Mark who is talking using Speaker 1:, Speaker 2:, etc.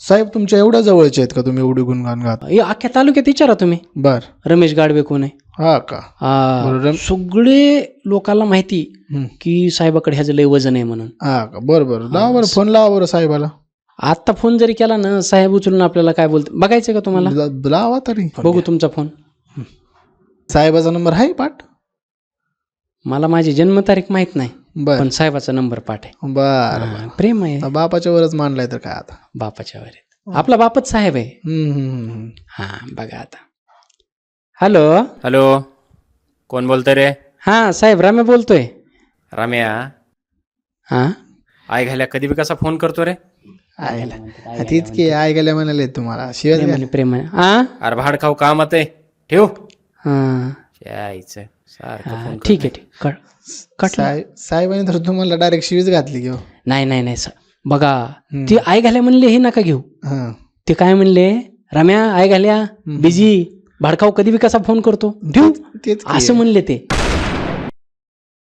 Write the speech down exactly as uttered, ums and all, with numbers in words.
Speaker 1: साहेब तुमच्या एवढ्या जवळचे आहेत का तुम्ही एवढी गुणगान गात?
Speaker 2: हे अख्ख्या तालुक्यात विचारा तुम्ही.
Speaker 1: बर.
Speaker 2: रमेश गाडवे कोण आहे?
Speaker 1: हा का?
Speaker 2: हा,
Speaker 1: बरं.
Speaker 2: सगळे लोकांना माहिती
Speaker 1: हम्म.
Speaker 2: की साहेबाकडे ह्याचं लय वजन आहे म्हणून.
Speaker 1: हा का? बरं बरं, लावा बरं फोन, लावा बरं साहेबाला.
Speaker 2: आता फोन जरी केला ना, साहेब उचलून आपल्याला काय बोलते बघायचं का तुम्हाला?
Speaker 1: ला- लावा तरी.
Speaker 2: बघू तुमचा फोन.
Speaker 1: साहेबाचा नंबर आहे पाठ?
Speaker 2: मला माझी जन्मतारीख माहित नाही,
Speaker 1: बर
Speaker 2: पण साहेबाचा नंबर पाठ आहे.
Speaker 1: बर.
Speaker 2: हा, प्रेम आहे
Speaker 1: बापाच्या वरच मानलाय तर काय आता.
Speaker 2: बापाच्या वर. आपला बापच साहेब आहे.
Speaker 1: हम्म, हम्म, हम्म.
Speaker 2: हा बघा आता. हॅलो.
Speaker 3: हॅलो, कोण बोलतोय रे?
Speaker 2: हा साहेब, रामे बोलतोय.
Speaker 3: रम्या,
Speaker 2: हा
Speaker 3: आई घाल्या कधी बी कसा फोन करतो रे?
Speaker 1: आयला तीच की आय गेल्या म्हणाले तुम्हाला शिवाय
Speaker 2: प्रेमाने प्रेमाने. हा
Speaker 3: अरे भाड खाऊ कामात आहे, ठेव.
Speaker 2: हा
Speaker 3: यायचं सारखं
Speaker 2: हा,
Speaker 3: फोन
Speaker 2: ठीक आहे ठीक कट कटलं.
Speaker 1: साहेब साहेबांनी तर तुम्हाला डायरेक्ट शिवीच घातली घेऊ.
Speaker 2: नाही नाही नाही सर, बघा ते आई घाल्या म्हणले हे नका घेऊ.
Speaker 1: हा
Speaker 2: ते काय म्हणले, रम्या आई घाल्या बिझी, भाडकाव कधी बी कसा फोन करतो ठेवू
Speaker 1: तेच की.
Speaker 2: असं म्हणले ते.